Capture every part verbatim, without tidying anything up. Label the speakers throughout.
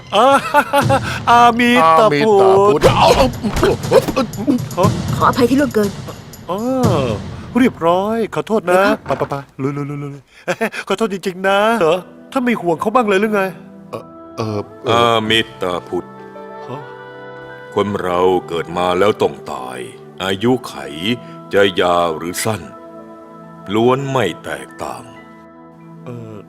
Speaker 1: อาอามีตาพุทธ
Speaker 2: ขออภัยที่ล่วงเกิน
Speaker 1: อ๋อเรียบร้อยขอโทษนะไปไปไปลุยลุยลุยลุยขอโทษจริงๆนะเหรอถ้าไม่ห่วงเขาบ้างเลยหรือไง
Speaker 3: เออเออเอ
Speaker 4: อา
Speaker 3: อ
Speaker 4: มิตาพุทธ
Speaker 1: ฮะ
Speaker 4: คนเราเกิดมาแล้วต้องตาย อายุไขจะยาวหรือสั้น ล้วนไม่แตกต่าง
Speaker 1: เออ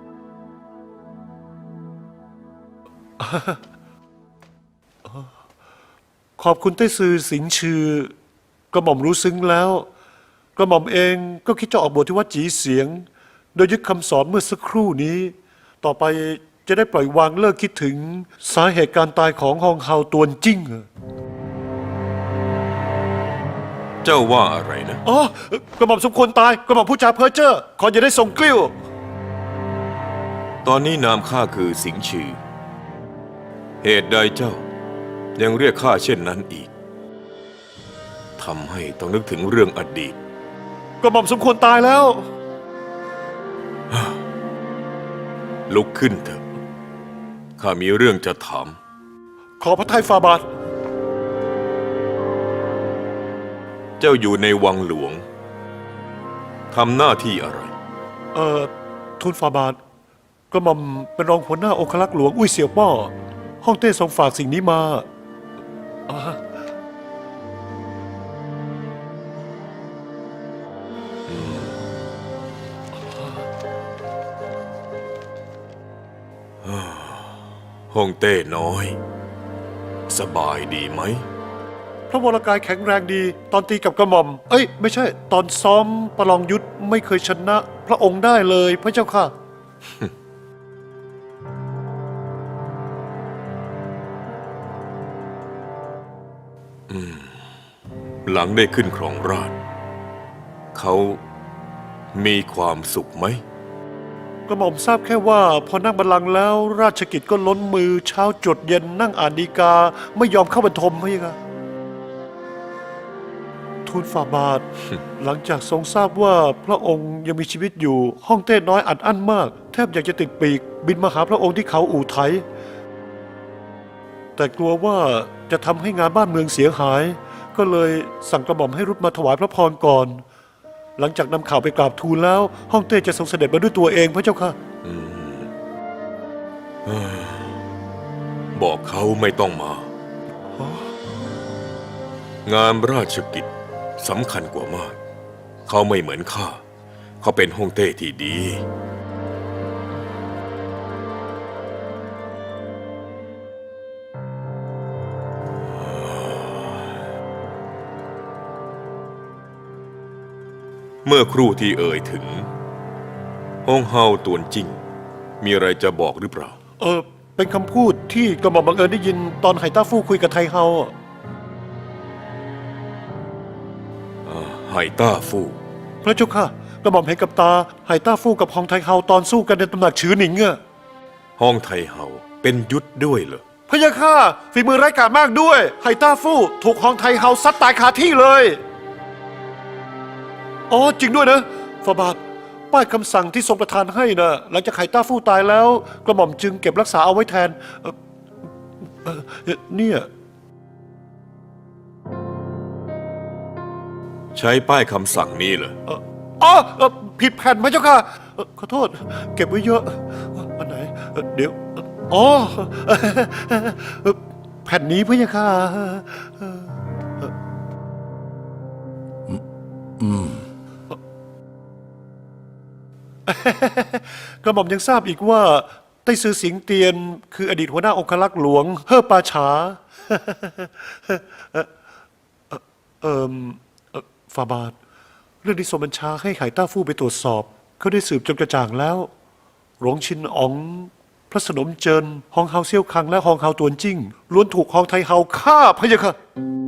Speaker 1: ขอบคุณไต้ซือสิงชื่อกระหม่อมรู้ซึ้งแล้ว กระหม่อมเองก็คิดจะออกบวชที่วัดจีเสียง โดยยึดคำสอนเมื่อสักครู่นี้ ต่อไปจะได้ปล่อยวางเลิกคิดถึงสาเหตุการตายของฮองเฮาตวนจิ้งอะ
Speaker 4: เจ้าว่าอะไรนะ
Speaker 1: อ๋อกระหม่อมสมควรตายกระหม่อมผู้จาเพ้อเจ้อขออย่าได้ทรงกลิ้ว
Speaker 4: ตอนนี้นามข้าคือสิงห์ชื่อ เหตุใดเจ้า ยังเรียกข้าเช่นนั้นอีกทำให้ต้องนึกถึงเรื่องอดีต
Speaker 1: กระหม่อมสมควรตายแล้ว
Speaker 4: ลุกขึ้นเถอะข้ามีเรื่องจะถาม
Speaker 1: ขอพระทัยฝ่าบาท
Speaker 4: เจ้าอยู่ในวังหลวงทำหน้าที่อะไร
Speaker 1: เอ่อทูลฝ่าบาทกระหม่อมเป็นรองหัวหน้าองครักษ์หลวงอุ้ยเสี่ยวป้อห้องเต้ทรงฝากสิ่งนี้มาอ่า
Speaker 4: ห้องเต้น้อย สบายดีไหม
Speaker 1: พระวรกายแข็งแรงดี ตอนตีกับกระหม่อม เอ้ย ไม่ใช่ ตอนซ้อมประลองยุทธไม่เคยชนะ พระองค์ได้เลยพระเจ้าค่ะ
Speaker 4: หลังได้ขึ้นครองราชย์เขามีความสุขไหม
Speaker 1: กระหม่อมทราบแค่ว่า พอนั่งบัลลังก์แล้วราชกิจก็ล้นมือเช้าจดเย็นนั่งอ่านฎีกา ไม่ยอมเข้าบรรทมพระยะค่ะทูลฝ่าบาท หลังจากทรงทราบว่าพระองค์ยังมีชีวิตอยู่ ห้องเต้น้อยอัดอั้นมาก แทบอยากจะติดปีก บินมาหาพระองค์ที่เขาอู่ไถ แต่กลัวว่าจะทำให้งานบ้านเมืองเสียหาย ก็เลยสั่งกระหม่อมให้รุดมาถวายพระพรก่อน หลังจากนำข่าวไปกราบทูลแล้ว ห้องเต้จะทรงเสด็จมาด้วยตัวเองพระเจ้าค่ะ
Speaker 4: บอกเขาไม่ต้องมา งานราชกิจสำคัญกว่ามาก เขาไม่เหมือนข้า เขาเป็นฮ่องเต้ที่ดี เมื่อครู่ที่เอ่ยถึงฮ่องเฮาตวนจิ้งมีอะไรจะบอกหรือเปล่า
Speaker 1: เออเป็นคำพูดที่กระหม่อมบังเอิญได้ยินตอนไหต้าฟู่คุยกับไทเฮาอะ
Speaker 4: ไห่ต้าฟู่
Speaker 1: พระเจ้าค่ะกระหม่อมเห็นกับตาไหต้าฟู่กับฮองไทเฮาตอนสู้กันในตำหนักฉือหนิงอะ
Speaker 4: ห้องไทเฮาเป็นยุทธด้วยเหรอ
Speaker 1: พระยาค่ะฝีมือไร้กาจมากด้วยไหต้าฟู่ถูกฮองไทเฮาซัดตายคาที่เลยอ๋อจริงด้วยนะฟาบาทป้ายคำสั่งที่ทรงประทานให้นะหลังจากไหต้าฟู่ตายแล้ว กระหม่อมจึงเก็บรักษาเอาไว้แทนเอ่อเอ่อเนี่ย
Speaker 4: ใช้ป้ายคำสั่งนี้เหรอ
Speaker 1: เอ่ออ๋อเอ่อผิดแผ่นพระเจ้าค่ะเอ่อขอโทษ เก็บไว้เยอะอันไหนเอ่อเดี๋ยวอ๋อเอ่อแผ่นนี้พระเจ้าค่ะ กระหม่อมยังทราบอีกว่าไต้ซือสิงเตียน คืออดีตหัวหน้าองครักษ์หลวง เฮ่อปาฉา เอ่อเอ่อเอ่อฟาบาท เรื่องที่ทรงบัญชาให้ไหต้าฟู่ไปตรวจสอบ เขาได้สืบจนกระจ่างแล้วหลวงชินอ๋อง พระสนมเจินฮองเฮาเซี่ยวคังและฮองเฮาตวนจิ้งล้วนถูกฮองไทเฮาฆ่าพะยะค่ะ